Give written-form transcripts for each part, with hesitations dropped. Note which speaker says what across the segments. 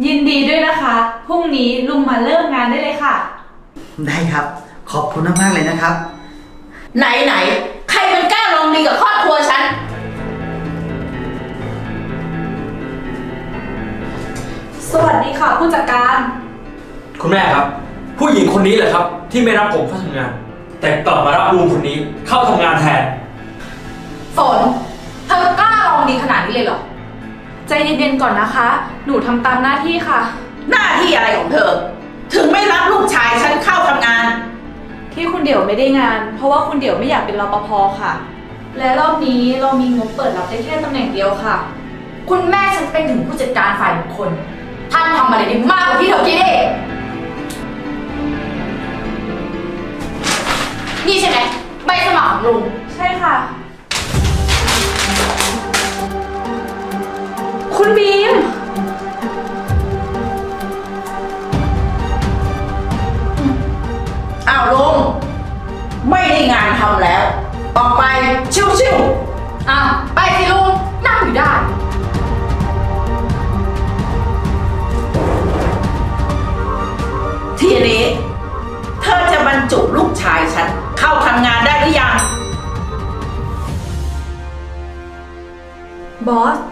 Speaker 1: ยินดีด้วยนะคะพรุ่งนี้ลุงมาเริ่มงานได้เลยค่ะ
Speaker 2: ได้ครับขอบคุณมากๆเลยนะครับ
Speaker 3: ไหนใครมันกล้าลองดีกับครอบครัวฉัน
Speaker 1: สวัสดีค่ะผู้จัดการ
Speaker 4: คุณแม่ครับผู้หญิงคนนี้แหละครับที่ไม่รับผมเข้าทำงาน แต่กลับมารับลุงคนนี้เข้าทำงานแทน
Speaker 3: ฝนเธอกล้าลองดีขนาดนี้เลยเหรอ
Speaker 1: ใจเย็นๆก่อนนะคะหนูทำตามหน้าที่ค่ะ
Speaker 3: หน้าที่อะไรของเธอถึงไม่รับลูกชายฉันเข้าทำงาน
Speaker 1: ที่คุณเดี่ยวไม่ได้งานเพราะว่าคุณเดี่ยวไม่อยากเป็นรปภค่ะและรอบนี้เรามีงบเปิดรับได้แค่ตำแหน่งเดียวค่ะ
Speaker 3: คุณแม่ฉันเป็นถึงผู้จัดการฝ่ายบุคคลท่านทำอะไรได้มากกว่าที่เธอคิดเองนี่ใช่ไหมใบสมัครของลุง
Speaker 1: ใช่ค่ะคุณบีม
Speaker 3: อ้าวลุงไม่ได้งานทำแล้วออกไปชิวๆอ้าวไปสิลุงนั่งอยู่ได้ทีนี้เธอจะบรรจุลูกชายฉันเข้าทำงานได้หรือยัง
Speaker 1: บอส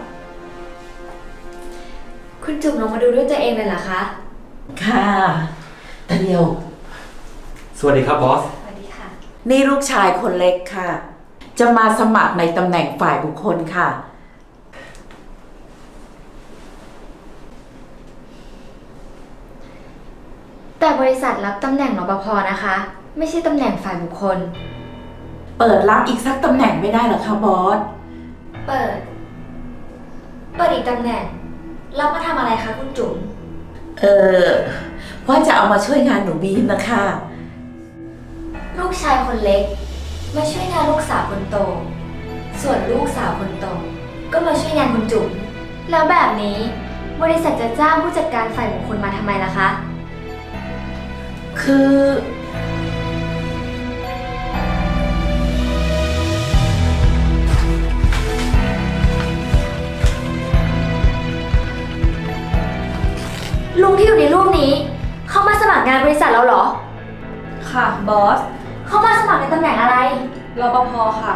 Speaker 5: คุณจุ๋มลงมาดูด้วยตัวเองเลยเหรอคะ
Speaker 3: ค่ะตาเดียว
Speaker 4: สวัสดีครับบอส
Speaker 5: สวัสดีค่ะ
Speaker 3: นี่ลูกชายคนเล็กค่ะจะมาสมัครในตำแหน่งฝ่ายบุคคลค่ะ
Speaker 5: แต่บริษัทรับตำแหน่งรปภนะคะไม่ใช่ตำแหน่งฝ่ายบุคคล
Speaker 3: เปิดรับอีกสักตำแหน่งไม่ได้หรอคะบอส
Speaker 5: เปิดอีกตำแหน่งรับมาทำอะไรคะคุณจุ๋ม
Speaker 3: ว่าจะเอามาช่วยงานหนูบีมนะคะ
Speaker 5: ลูกชายคนเล็กมาช่วยงานลูกสาวคนโตส่วนลูกสาวคนโตก็มาช่วยงานคุณจุ๋มแล้วแบบนี้บริษัทจะจ้างผู้จัดการฝ่ายบุคคลมาทำไมล่ะคะ
Speaker 3: คือ
Speaker 5: ลุงที่อยู่ในรูปนี้เขามาสมัครงานบริษัทเราเหรอ
Speaker 1: ค่ะบอส
Speaker 5: เขามาสมัครในตำแหน่งอะไร
Speaker 1: รปภค่ะ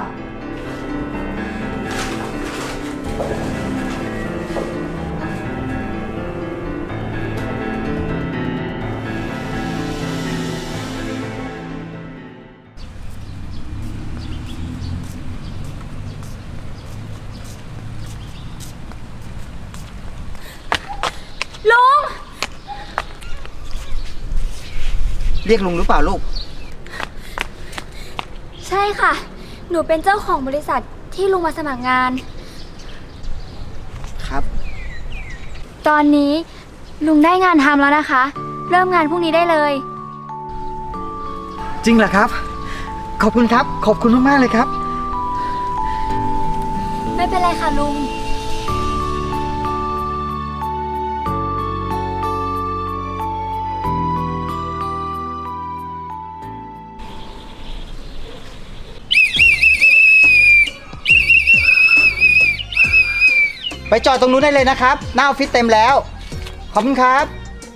Speaker 5: ลุง
Speaker 2: เรียกลุงหรือเปล่าลูก
Speaker 5: ใช่ค่ะหนูเป็นเจ้าของบริษัทที่ลุงมาสมัครงาน
Speaker 2: ครับ
Speaker 5: ตอนนี้ลุงได้งานทำแล้วนะคะเริ่มงานพรุ่งนี้ได้เลย
Speaker 2: จริงเหรอครับขอบคุณครับขอบคุณมากๆเลยครับ
Speaker 5: ไม่เป็นไรค่ะลุง
Speaker 2: ไปจอดตรงนู้นได้เลยนะครับหน้าออฟฟิศเต็มแล้วขอบคุณครับ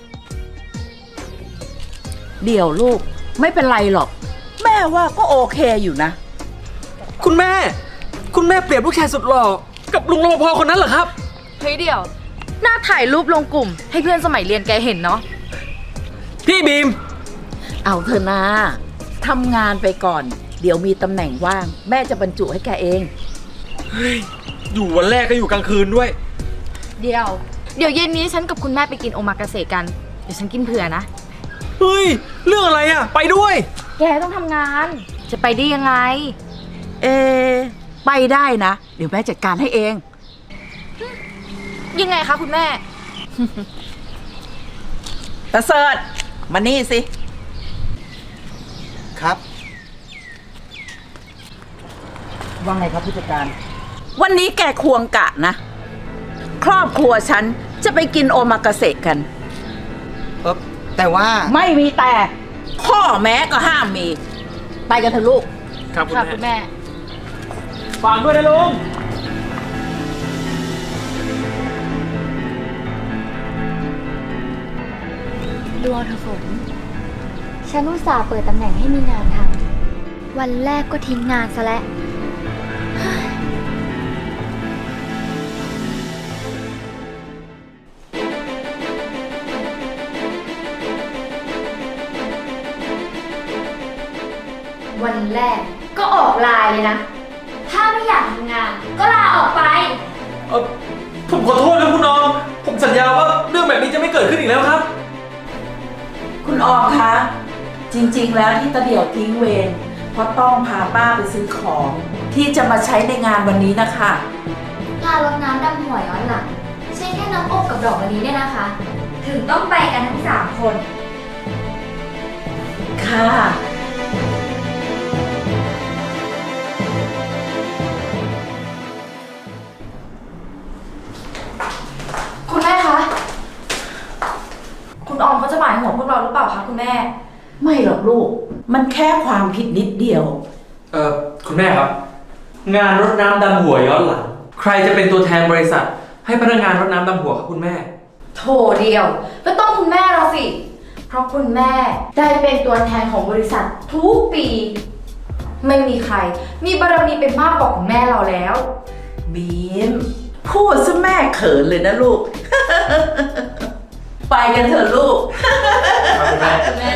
Speaker 3: เดี๋ยวลูกไม่เป็นไรหรอกแม่ว่าก็โอเคอยู่นะ
Speaker 4: คุณแม่เปรียบลูกชายสุดหล่อกับลุงรปภคนนั้นเหรอครับ
Speaker 6: เฮ้ยเดี๋ยวหน้าถ่ายรูปลงกลุ่มให้เพื่อนสมัยเรียนแกเห็นเนาะ
Speaker 4: พี่บีม
Speaker 3: เอาเถอะนะทำงานไปก่อนเดี๋ยวมีตำแหน่งว่างแม่จะบรรจุให้แกเอง
Speaker 4: เฮ้ยอยู่วันแรกก็อยู่กลางคืนด้วย
Speaker 6: เดี๋ยวเย็นนี้ฉันกับคุณแม่ไปกินโอมากาเสะกันเดี๋ยวฉันกินเผื่อนะ
Speaker 4: เฮ้ยเรื่องอะไรอ่ะไปด้วย
Speaker 6: แกต้องทำงานจะไปได้ยังไง
Speaker 3: ไปได้นะเดี๋ยวแม่จัดการให้เอง
Speaker 6: ยังไงคะคุณแม่
Speaker 3: ตาเสิร์ชมานี่สิ
Speaker 2: ครับว่าไงครับผู้จัดการ
Speaker 3: วันนี้แกควงกะนะครอบครัวฉันจะไปกินโอมากาเสะกัน
Speaker 2: แต่ว่า
Speaker 3: ไม่มีแต่ข้อแม้ก็ห้ามมีไปกันเถอะลูก
Speaker 4: ครับ
Speaker 6: คุณแม่
Speaker 4: ฝากด้วยนะลุง
Speaker 5: ดูเอาเถอะฝน ฉันอุตส่าห์เปิดตำแหน่งให้มีงานทำ วันแรกก็ทิ้งงานซะแล้ว วันแรกก็ออกไลน์เลยนะ ถ้าไม่อยากทำงาน ก็ลาออกไป
Speaker 4: ผมขอโทษนะคุณออม ผมสัญญาว่าเรื่องแบบนี้จะไม่เกิดขึ้นอีกแล้วครับ
Speaker 3: คุณออมคะ จริงๆ แล้วที่ตาเดี่ยวทิ้งเวรเพราะต้องพาป้าไปซื้อของ ที่จะมาใช้ในงานวันนี้นะคะ
Speaker 5: งานรดน้ำดำหัวย้อนหลังใช่แค่น้ำอบกับดอกมะลิเนี่ยนะคะ ถึงต้องไปกันทั้ง3 คน
Speaker 3: ค่ะ
Speaker 6: คุณแม่คะ คุณออมเขาจะหมายหัวพวกเราหรือเปล่าคะคุณแม่
Speaker 3: ไม่หรอกลูก มันแค่ความผิดนิดเดียว
Speaker 4: คุณแม่ครับ งานรดน้ำดำหัวย้อนหลัง ใครจะเป็นตัวแทนบริษัท ให้พนักงานรดน้ำดำหัวครับคุณแม่
Speaker 6: โถเดียว ก็ต้องคุณแม่เราสิ เพราะคุณแม่ได้เป็นตัวแทนของบริษัททุกปี ไม่มีใคร มีบารมีเป็นมากกว่าคุณแม่เราแล้ว
Speaker 3: บีม พูดซะแม่เขินเลยนะลูก ไปกันเถอะลูก
Speaker 1: คุณแม่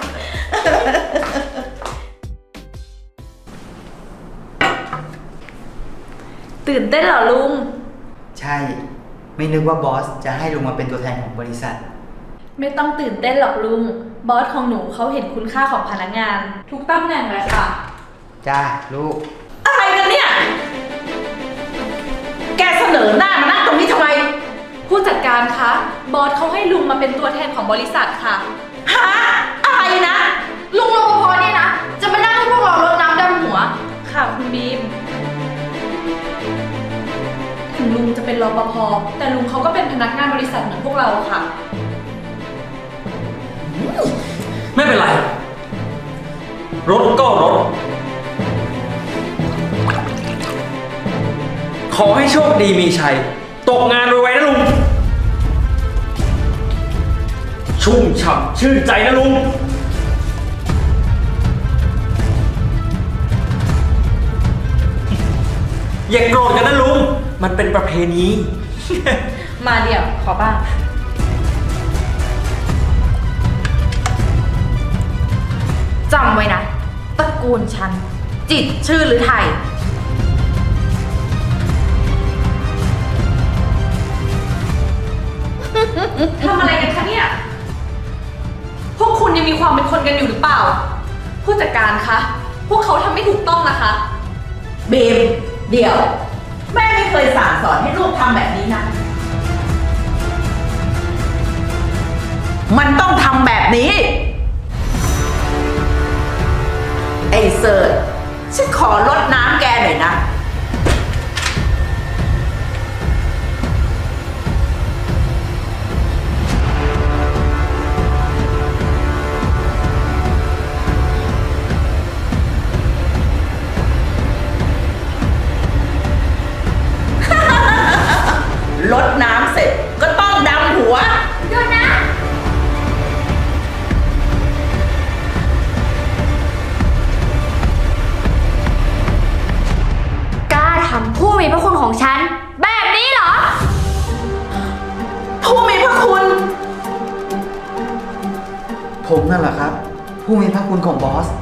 Speaker 1: ตื่นเต้นเหรอลุง
Speaker 2: ใช่ ไม่นึกว่าบอสจะให้ลุงมาเป็นตัวแทนของบริษัท
Speaker 1: ไม่ต้องตื่นเต้นหรอกลุง บอสของหนูเขาเห็นคุณค่าของพนักงาน ทุกตำแหน่งเลยค่ะ
Speaker 2: จ้าลูก
Speaker 3: อะไรกันเนี่ย แกเสนอหน้ามานั่งตรงนี้ทำไม
Speaker 1: ผู้จัดการคะ บอสเขาให้ลุงมาเป็นตัวแทนของบริษัทค่ะ
Speaker 3: ฮะ อะไรนะ
Speaker 6: ลุงรปภเนี่ยนะ จะมานั่งให้พวกเรารดน้ำดำหัว
Speaker 1: ค่ะคุณบีม ถึงลุงจะเป็นรปภ แต่ลุงเขาก็เป็นพนักงานบริษัทเหมือนพวกเราค่ะ
Speaker 4: ไม่เป็นไร รถก็รถ ขอให้โชคดีมีชัย ตกงานไวๆนะลุง ชุ่มฉ่ำชื่นใจนะลุง อย่าโกรธกันนะลุง มันเป็นประเพณี
Speaker 1: มาเดี๋ยวขอบ้าง
Speaker 6: จำไว้นะ ตระกูลฉัน จิตรชื่อหรือไทย
Speaker 1: ทำอะไรกันคะเนี่ย พวกคุณยังมีความเป็นคนกันอยู่หรือเปล่า ผู้จัดการคะ พวกเขาทำไม่ถูกต้องนะคะ
Speaker 3: บีม เดี๋ยว แม่ไม่เคยสั่งสอนให้ลูกทำแบบนี้นะ มันต้องทำแบบนี้ ไอ้เสิร์ชฉันขอลดน้ำแกหน่อยนะ ลดน้ำเสร็จก็ต้องดำหัว
Speaker 5: หยุดนะ กล้าทำผู้มีพระคุณของฉัน แบบนี้เหรอ
Speaker 3: ผู้มีพระคุณ
Speaker 2: ผมนั่นแหละครับ ผู้มีพระคุณของบอส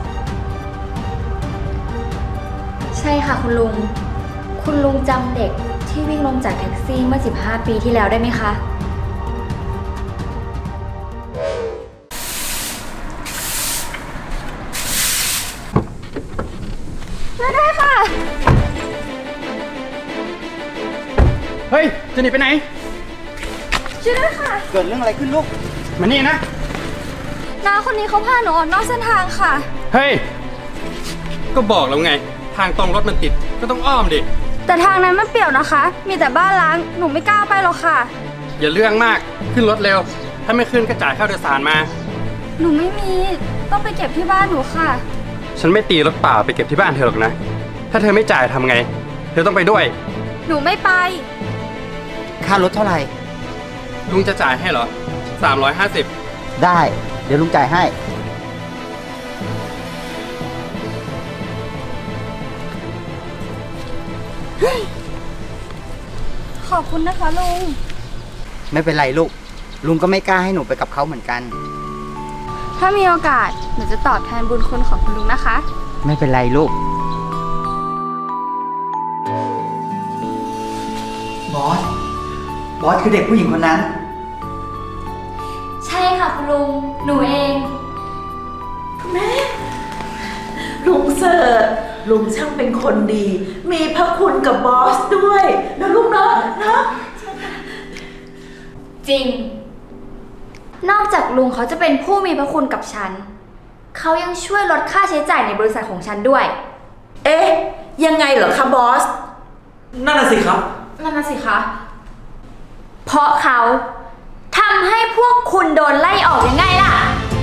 Speaker 5: ใช่ค่ะคุณลุง คุณลุงจำเด็กที่วิ่งลงจากแท็กซี่เมื่อ 15 ปีที่แล้วได้ไหมคะ
Speaker 7: เฮ้ย จะหนีไปไหน
Speaker 5: ช่วยด้วยค่ะ
Speaker 2: เกิดเรื่องอะไรขึ้นลูก
Speaker 7: มานี่นะ
Speaker 5: น้าคนนี้เขาพาหนูออกนอกเส้นทางค่ะ
Speaker 7: เฮ้ย ก็บอกแล้วไง ทางตรงรถมันติด ก็ต้องอ้อมดิ
Speaker 5: แต่ทางนั้นมันเปลี่ยวนะคะ มีแต่บ้านล้าง หนูไม่กล้าไปหรอกค่ะ
Speaker 7: อย่าเรื่องมาก ขึ้นรถเร็ว ถ้าไม่ขึ้นก็จ่ายค่าโดยสารมา
Speaker 5: หนูไม่มี ต้องไปเก็บที่บ้านหนูค่ะ
Speaker 7: ฉันไม่ตีรถเปล่าไปเก็บที่บ้านเธอหรอกนะ ถ้าเธอไม่จ่ายทำไง เธอต้องไปด้วย
Speaker 5: หนูไม่ไป
Speaker 2: ค่ารถเท่าไหร่
Speaker 7: ลุงจะจ่ายให้เหรอ 350
Speaker 2: ได้ เดี๋ยวลุงจ่ายให้
Speaker 1: ขอบคุณนะคะลุง
Speaker 2: ไม่เป็นไรลูก ลุงก็ไม่กล้าให้หนูไปกับเขาเหมือนกัน
Speaker 5: ถ้ามีโอกาสหนูจะตอบแทนบุญคุณของคุณลุงนะคะ
Speaker 2: ไม่เป็นไรลูก บอส บอสคือเด็กผู้หญิงคนนั้น
Speaker 5: ใช่ค่ะคุณลุง หนูเอง
Speaker 3: ลุงเสิร์ชลุงช่างเป็นคนดี มีพระคุณกับบอสด้วยนะลูกเนาะเนาะ
Speaker 5: จริง นอกจากลุงเขาจะเป็นผู้มีพระคุณกับฉัน เขายังช่วยลดค่าใช้จ่ายในบริษัทของฉันด้วย
Speaker 3: เอ๊ะ ยังไงเหรอคะบอส
Speaker 4: นั่นน่ะสิครับ
Speaker 6: นั่นน่ะสิคะ
Speaker 5: เพราะเขาทำให้พวกคุณโดนไล่ออกยังไงล่ะ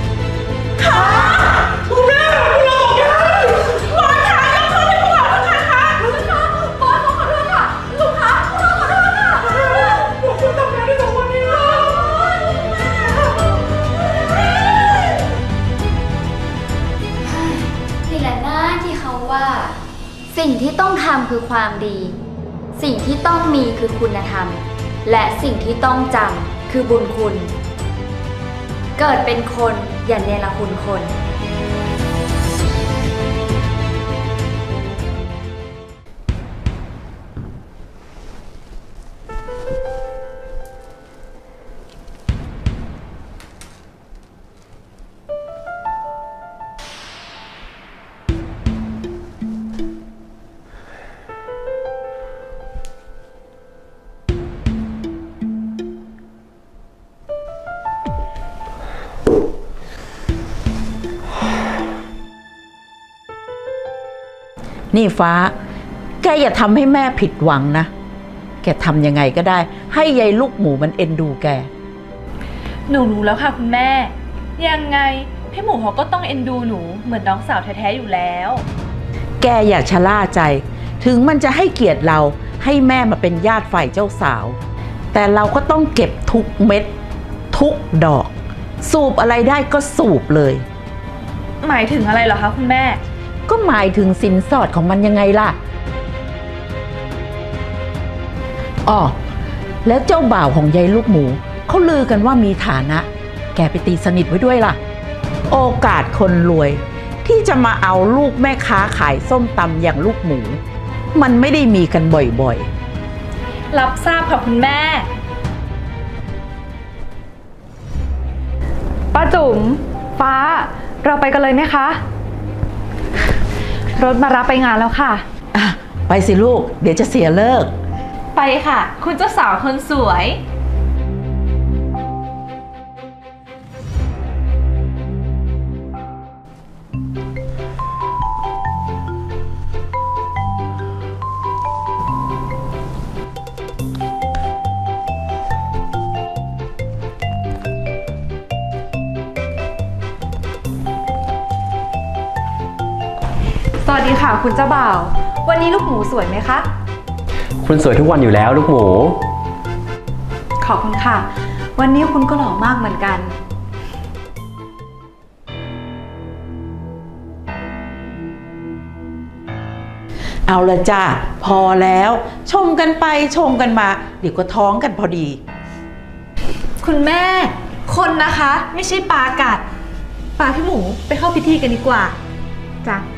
Speaker 5: นี่แหละหน้าที่เขาว่า สิ่งที่ต้องทำคือความดี สิ่งที่ต้องมีคือคุณธรรม และสิ่งที่ต้องจำคือบุญคุณ เกิดเป็นคนอย่าเนรคุณคน
Speaker 3: นี่ฟ้า แกอย่าทำให้แม่ผิดหวังนะ แกทำยังไงก็ได้ ให้ยายลูกหมูมันเอ็นดูแก
Speaker 1: หนูรู้แล้วค่ะคุณแม่ ยังไงพี่หมูเขาก็ต้องเอ็นดูหนูเหมือนน้องสาวแท้ๆอยู่แล้ว
Speaker 3: แกอย่าชะล่าใจ ถึงมันจะให้เกียรติเราให้แม่มาเป็นญาติฝ่ายเจ้าสาว แต่เราก็ต้องเก็บทุกเม็ด ทุกดอก สูบอะไรได้ก็สูบเลย
Speaker 1: หมายถึงอะไรเหรอคะคุณแม่
Speaker 3: ก็หมายถึงสินสอดของมันยังไงล่ะอ๋อแล้วเจ้าบ่าวของยายลูกหมูเขาลือกันว่ามีฐานะ แกไปตีสนิทไว้ด้วยล่ะ โอกาสคนรวย ที่จะมาเอาลูกแม่ค้าขายส้มตำอย่างลูกหมู มันไม่ได้มีกันบ่อยๆ
Speaker 1: รับทราบค่ะคุณแม่
Speaker 8: ป้าจุ๋มฟ้าเราไปกันเลยไหมคะรถมารับไปงานแล้วค่ะ
Speaker 3: อ่ะไปสิลูก เดี๋ยวจะเสียเลิก
Speaker 1: ไปค่ะ คุณเจ้าสาวคนสวย
Speaker 8: สวัสดีค่ะคุณเจ้าบ่าว วันนี้ลูกหมูสวยไหมคะ
Speaker 7: คุณสวยทุกวันอยู่แล้วลูกหมู
Speaker 8: ขอบคุณค่ะ วันนี้คุณก็หล่อมากเหมือนกัน
Speaker 3: เอาละจ้าพอแล้วชมกันไปชมกันมา เดี๋ยวก็ท้องกันพอดี
Speaker 1: คุณแม่ คนนะคะ ไม่ใช่ปลากัดปลาพี่หมูไปเข้าพิธีกันดีกว่า จ้ะ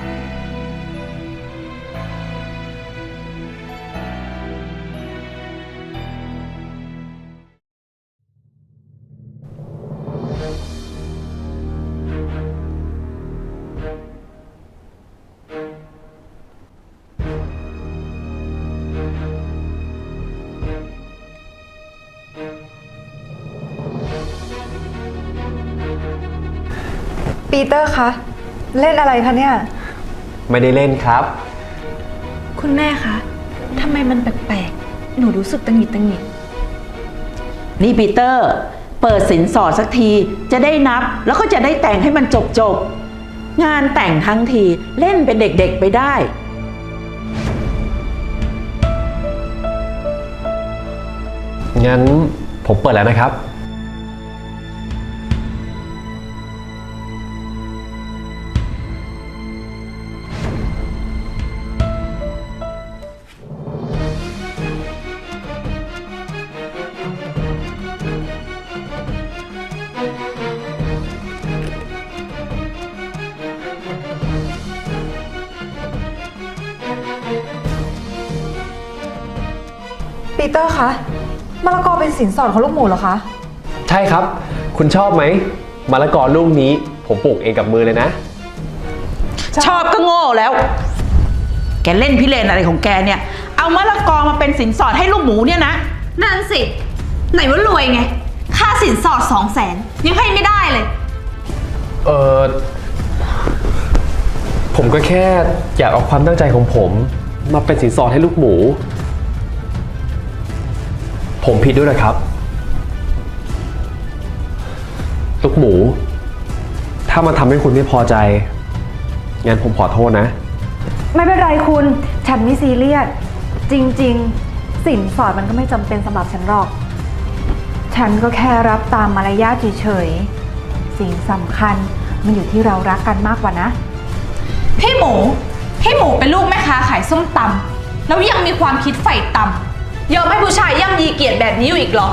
Speaker 8: ปีเตอร์คะ เล่นอะไรคะเนี่ย
Speaker 7: ไม่ได้เล่นครับ
Speaker 1: คุณแม่คะทำไมมันแปลกๆ หนูรู้สึกตังหงิดตังหงิด
Speaker 3: นี่ปีเตอร์ เปิดสินสอดสักทีจะได้นับ แล้วก็จะได้แต่งให้มันจบงานแต่งทั้งทีเล่นเป็นเด็กๆไปได้
Speaker 7: งั้นผมเปิดแล้วนะครับ
Speaker 8: เตอร์คะมะละกอเป็นสินสอดของลูกหมูเหรอคะ
Speaker 9: ใช่ครับ คุณชอบไหมมะละกอลูกนี้ผมปลูกเองกับมือเลยนะ
Speaker 3: ชอบก็โง่แล้ว แกเล่นพิเรนอะไรของแกเนี่ย เอามะละกอมาเป็นสินสอดให้ลูกหมูเนี่ยนะ
Speaker 1: นั่นสิ ไหนว่ารวยไง ค่าสินสอด200,000ยังให้ไม่ได้เลย
Speaker 9: ผมก็แค่อยากเอาความตั้งใจของผมมาเป็นสินสอดให้ลูกหมู ผมผิดด้วยนะครับ ลูกหมู ถ้ามันทำให้คุณไม่พอใจงั้นผมขอโทษนะ
Speaker 8: ไม่เป็นไรคุณ ฉันไม่ซีเรียส จริงๆ สินสอดมันก็ไม่จำเป็นสำหรับฉันหรอก ฉันก็แค่รับตามมารยาทเฉยๆ สิ่งสำคัญมันอยู่ที่เรารักกันมากกว่านะ
Speaker 1: พี่หมูเป็นลูกแม่ค้าขายส้มตำแล้วยังมีความคิดไฟต่ำยอมให้ผู้ชายย่ำยีเกียรติแบบนี้อยู่อีกเหรอ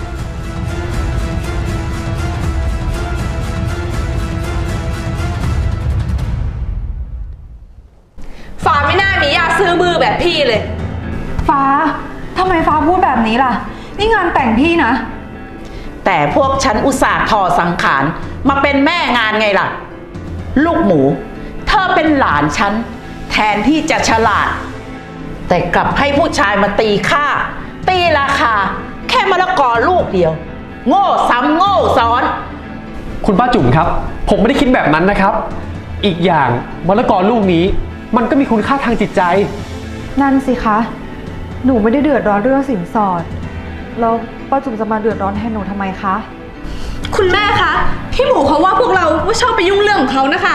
Speaker 1: ฟ้าไม่น่ามียาซื้อมือแบบพี่เลย
Speaker 8: ฟ้าทำไมฟ้าพูดแบบนี้ล่ะ นี่งานแต่งพี่นะ
Speaker 3: แต่พวกฉันอุตส่าห์ทอสังขารมาเป็นแม่งานไงล่ะ ลูกหมูเธอเป็นหลานฉันแทนที่จะฉลาด แต่กลับให้ผู้ชายมาตีค่า ตีราคา แค่มะละกอลูกเดียว โง่ซ้ำโง่ซ้อน
Speaker 9: คุณป้าจุ๋มครับ ผมไม่ได้คิดแบบนั้นนะครับ อีกอย่างมะละกอลูกนี้มันก็มีคุณค่าทางจิตใจ
Speaker 8: นั่นสิคะ หนูไม่ได้เดือดร้อนเรื่องสินสอด แล้วป้าจุ๋มจะมาเดือดร้อนแทนหนูทำไมคะ
Speaker 1: คุณแม่คะ พี่หมูเขาว่าพวกเราว่าชอบไปยุ่งเรื่องของเขานะคะ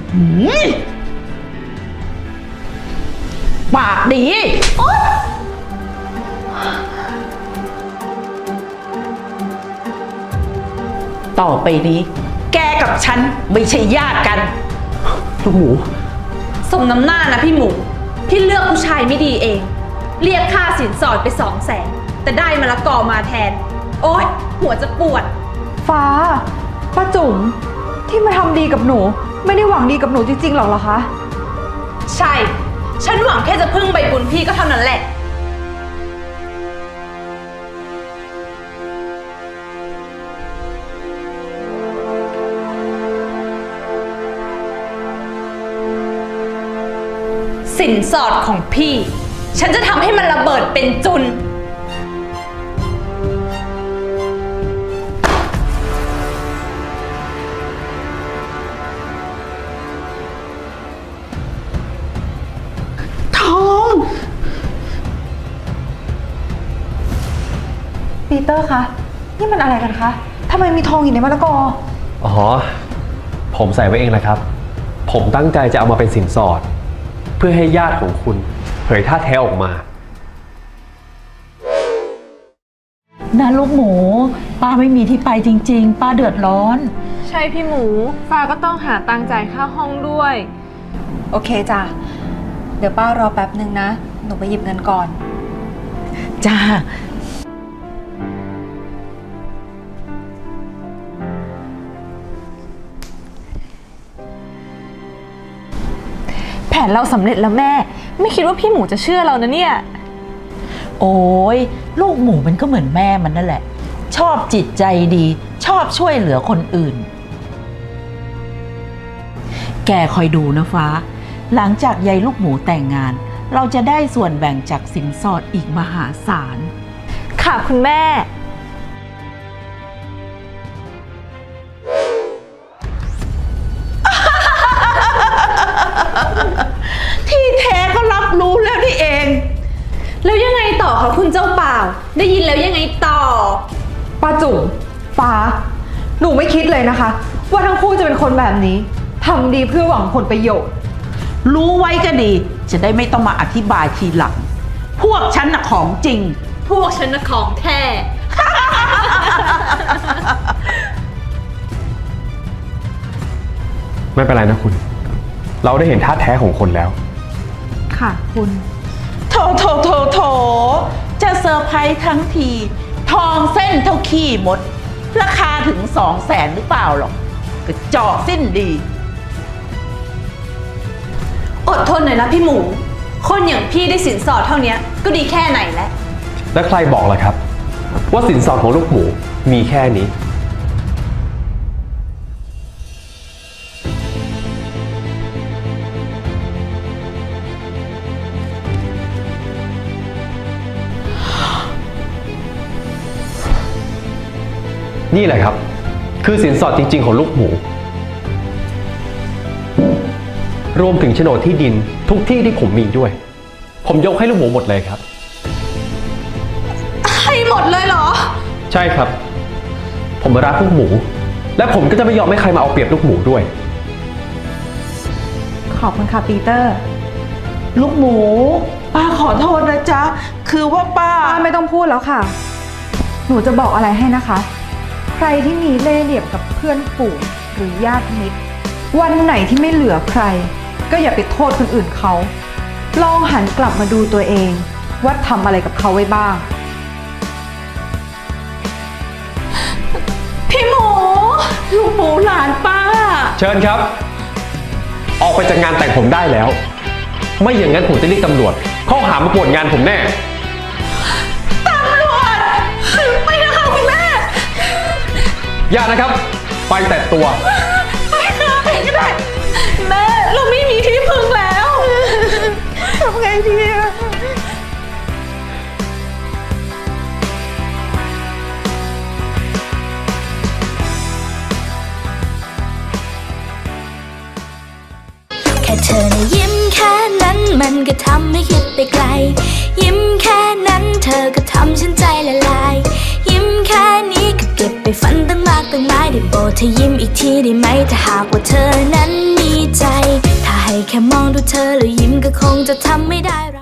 Speaker 3: ปากดีต่อไปนี้ แกกับฉันไม่ใช่ญาติกัน
Speaker 9: ลูกหมู
Speaker 1: สมน้ำหน้านะพี่หมูที่เลือกผู้ชายไม่ดีเอง เรียกค่าสินสอดไป200,000แต่ได้มะละกอมาแทน โอ๊ยหัวจะปวด
Speaker 8: ฟ้า ป้าจุ๋มที่มาทำดีกับหนู ไม่ได้หวังดีกับหนูจริงๆหรอกเหรอคะ
Speaker 1: ใช่ ฉันหวังแค่จะพึ่งใบบุญพี่ก็เท่านั้นแหละ สินสอดของพี่ ฉันจะทำให้มันระเบิดเป็นจุน
Speaker 3: ทอง
Speaker 8: ปีเตอร์คะ นี่มันอะไรกันคะทำไมมีทองอยู่ในมะละกอ
Speaker 9: อ๋อ ผมใส่ไว้เองแหละครับ ผมตั้งใจจะเอามาเป็นสินสอด เพื่อให้ญาติของคุณเผยท่าแท้ออกมา
Speaker 3: นะลูกหมู ป้าไม่มีที่ไปจริงๆ ป้าเดือดร้อน
Speaker 10: ใช่พี่หมู ฟ้าก็ต้องหาตังค์จ่ายค่าห้องด้วย
Speaker 8: โอเคจ้ะ เดี๋ยวป้ารอแป๊บนึงนะ หนูไปหยิบเงินก่อน
Speaker 3: จ้า
Speaker 10: แผนเราสำเร็จแล้วแม่ ไม่คิดว่าพี่หมูจะเชื่อเรานะเนี่ย
Speaker 3: โอ้ยลูกหมูมันก็เหมือนแม่มันนั่นแหละ ชอบจิตใจดี ชอบช่วยเหลือคนอื่น แกคอยดูนะฟ้า หลังจากยายลูกหมูแต่งงาน เราจะได้ส่วนแบ่งจากสินสอดอีกมหาศาล
Speaker 10: ค่ะคุณแม่
Speaker 3: ที่แท้ก็รับรู้แล้วนี่เอง
Speaker 1: แล้วยังไงต่อคะคุณเจ้าบ่าว ได้ยินแล้วยังไงต่อ
Speaker 8: ป้าจุ๋มฟ้า หนูไม่คิดเลยนะคะ ว่าทั้งคู่จะเป็นคนแบบนี้ทำดีเพื่อหวังผลประโยชน์
Speaker 3: รู้ไว้ก็ดี จะได้ไม่ต้องมาอธิบายทีหลัง พวกฉันน่ะของจริง
Speaker 1: พวกฉันน่ะของแท้
Speaker 9: ไม่เป็นไรนะคุณ เราได้เห็นท่าแท้ของคนแล้ว
Speaker 8: ค่ะคุณ
Speaker 3: โถ จะเซอร์ไพรส์ทั้งที ทองเส้นเท่าขี้มด ราคาถึง200,000หรือเปล่าหรอกกระจอกสิ้นดี
Speaker 1: อดทนหน่อยนะพี่หมู คนอย่างพี่ได้สินสอดเท่านี้ก็ดีแค่ไหนแล้ว
Speaker 9: แล้วใครบอกล่ะครับ ว่าสินสอดของลูกหมูมีแค่นี้ นี่แหละครับ คือสินสอดจริงๆของลูกหมู รวมถึงโฉนดที่ดินทุกที่ที่ผมมีด้วย ผมยกให้ลูกหมูหมดเลยครับ
Speaker 10: ให้หมดเลยเหรอ
Speaker 9: ใช่ครับ ผมรักลูกหมู และผมก็จะไม่ยอมให้ใครมาเอาเปรียบลูกหมูด้วย
Speaker 8: ขอบคุณค่ะปีเตอร์
Speaker 3: ลูกหมู ป้าขอโทษนะจ๊ะ คือว่าป้า
Speaker 8: ป้าไม่ต้องพูดแล้วค่ะ หนูจะบอกอะไรให้นะคะ ใครที่มีเล่ห์เหลี่ยมกับเพื่อนฝูงหรือญาติมิตร วันไหนที่ไม่เหลือใคร ก็อย่าไปโทษคนอื่นเขา ลองหันกลับมาดูตัวเองว่าทำอะไรกับเขาไว้บ้าง
Speaker 3: พี่หมู ลูกหมูหลานป้า
Speaker 9: เชิญครับ ออกไปจากงานแต่งผมได้แล้ว ไม่อย่างนั้นผมจะเรียกตำรวจข้อหามาป่วนงานผมแน่
Speaker 10: ตำรวจ ไม่นะคะคุณแม่
Speaker 9: อย่านะครับ ไปแต่ตัว
Speaker 10: ไปค่ะไปก็ได้ แม่เราไม่มีที่พึ่งแล้วทำไงดีอะ
Speaker 5: แค่เธอนะยิ้มแค่นั้นมันก็ทำให้คิดไปไกล ยิ้มแค่นั้นเธอก็ทำฉันใจละลาย ยิ้มแค่นี้ก็เก็บไปฝันตั้งมากตั้งหลายได้โปรดเธอยิ้มอีกทีได้ไหมถ้าหากว่าเธอนั้นมีใจ ถ้าให้แค่มองดูเธอแล้วยิ้มก็คงจะทำไม่ได้